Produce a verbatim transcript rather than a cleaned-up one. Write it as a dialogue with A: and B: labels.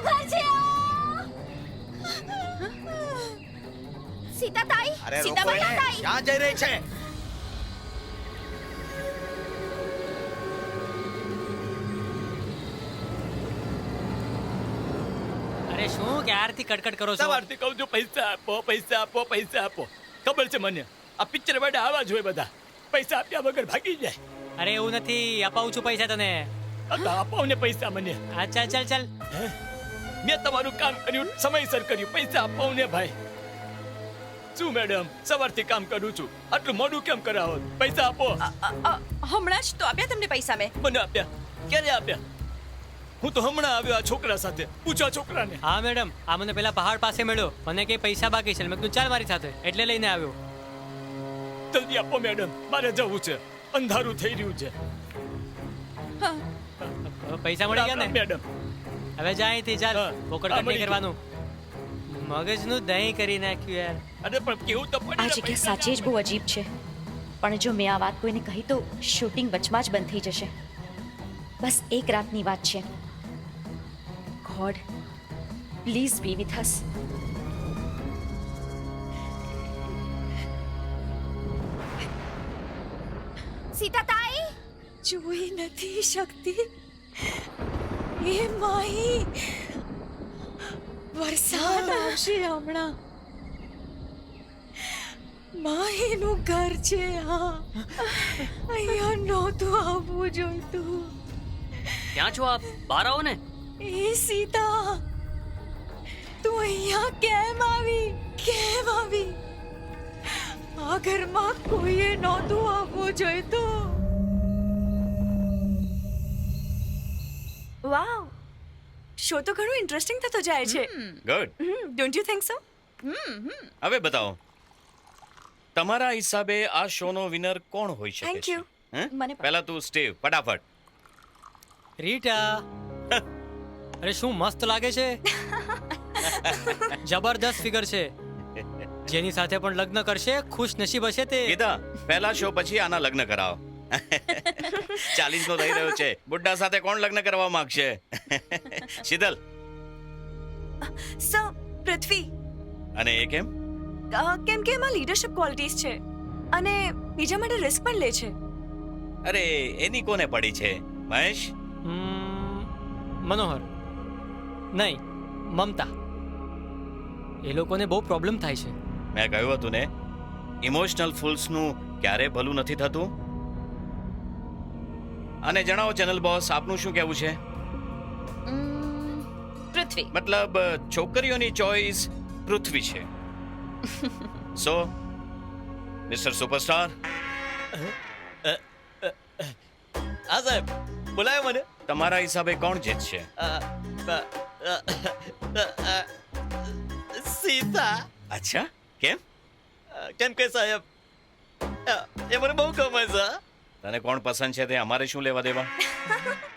A: કયું ઘર છે આ? સીતા તાઈ,
B: અરે
A: સીતા
B: રોકો એને.
A: બહેન તાઈ.
B: ક્યાં જઈ રહી છે?
C: અરે શું ક્યારથી કટકટ કરો છો?
D: સવારથી કહું છું પૈસા આપો પૈસા આપો પૈસા આપો. ખબર છે મને આ પિક્ચર વાળા આવા જ હોય બધા, પૈસા આપ્યા વગર ભાગી જાય.
C: અરે એવું નથી, અપાવું છું પૈસા તને.
D: આ તો આપો ને પૈસા મને.
C: હા ચાલ ચાલ ચાલ.
D: મેં તમારું કામ કર્યું, સમયસર કર્યું, પૈસા આપો ને ભાઈ. શું મેડમ, સવારથી કામ કરું છું, આટલું મોડું કેમ કરાવો? પૈસા આપો.
E: હમણાં જ તો આપ્યા તમને પૈસા મેં.
D: મને આપ્યા? ક્યારે આપ્યા? હું તો હમણાં આવ્યો આ છોકરા સાથે, પૂછો આ છોકરાને.
C: હા મેડમ, આ મને પેલા પહાડ પાસે મળ્યો, મને કે પૈસા બાકી છે. મેં કીધું ચાલ મારી સાથે, એટલે લઈને આવ્યો.
D: જલ્દી આપો મેડમ, મારે જવું છે, અંધારું થઈ રહ્યું છે.
C: પૈસા મળી ગયા ને
D: મેડમ?
C: હવે જા અહીંથી, ચાલ.
D: હા.
C: પોકટ
D: હા,
C: કટ
D: મળી
C: નહીં કરવાનું. મગજનું દહીં કરી નાખ્યું યાર.
D: અરે પણ કેવું તો પડે
E: આ
D: ને,
E: જગ્યા
D: પૈસા
E: સાચે જ બહુ અજીબ છે, પણ જો મેં આ વાત કોઈને કહી તો શૂટિંગ વચમાં જ બંધ થઈ જશે. બસ એક રાતની વાત છે. God please be with us.
A: Sita તાઈ,
E: જોઈ નથી શકતી એ માહી, વરસાદ આવશે હમણાં. માહીનું ઘર છે આ, અહીંયા નહોતું આવવું જોઈતું.
F: ક્યાં છો આપ? બહાર આવો ને.
E: એ સીતા, તું અહીંયા કેમ આવી? કેમ આવી? આ ઘરમાં કોઈએ નહોતું આવવું જોઈતું. વાવ, શો તો ઘણું ઇન્ટરેસ્ટિંગ થતો જાય છે.
G: Good.
E: Don't you think so?
G: હવે બતાવો, તમારા હિસાબે આ શોનો વિનર કોણ હોઈ શકે
E: Thank
G: છે?
E: you.
G: હે?
E: મને પણ.
G: પહેલા તું સ્ટીવ, ફટાફટ.
C: રીટા, અરે શું મસ્ત લાગે છે. જબરદસ્ત ફિગર છે. જેની સાથે પણ લગ્ન કરશે ખુશ નસીબ હશે તે.
G: ગીતા, પહેલા શો પછી આના લગ્ન કરાવો. ચાલીસ નો થઈ રહ્યો છે, બુड्ढा સાથે કોણ લગ્ન કરવા માંગશે? શીતલ.
E: સો પૃથ્વી,
G: અને એ કેમ?
E: અ, કેમ કે એમાં લીડરશિપ ક્વોલિટીઝ છે અને બીજા માટે રિસ્ક પણ લે છે.
G: અરે એની કોને પડી છે? મહેશ?
C: હમ, મનોહર નહીં, મમતા. એ લોકોને બહુ પ્રોબ્લેમ થાય છે.
G: મેં કહ્યું હતું ને, ઇમોશનલ ફૂલ્સનું ક્યારે ભલું નથી થતું. અને જણાવો ચેનલ બોસ, આપનું શું કહેવું છે?
E: પૃથ્વી.
G: મતલબ છોકરીઓની ચોઈસ પૃથ્વી છે. સો મિસ્ટર સુપરસ્ટાર,
D: હા સાહેબ, બોલાયો મને.
G: તમારા હિસાબે કોણ જીતશે?
D: અ, અ, અ, અ, સીતા.
G: અચ્છા, કેમ?
D: કેમ કે સાહેબ, અ, એ મને બહુ ગમે છે.
G: તને કોણ પસંદ છે તે અમારે શું લેવા દેવા?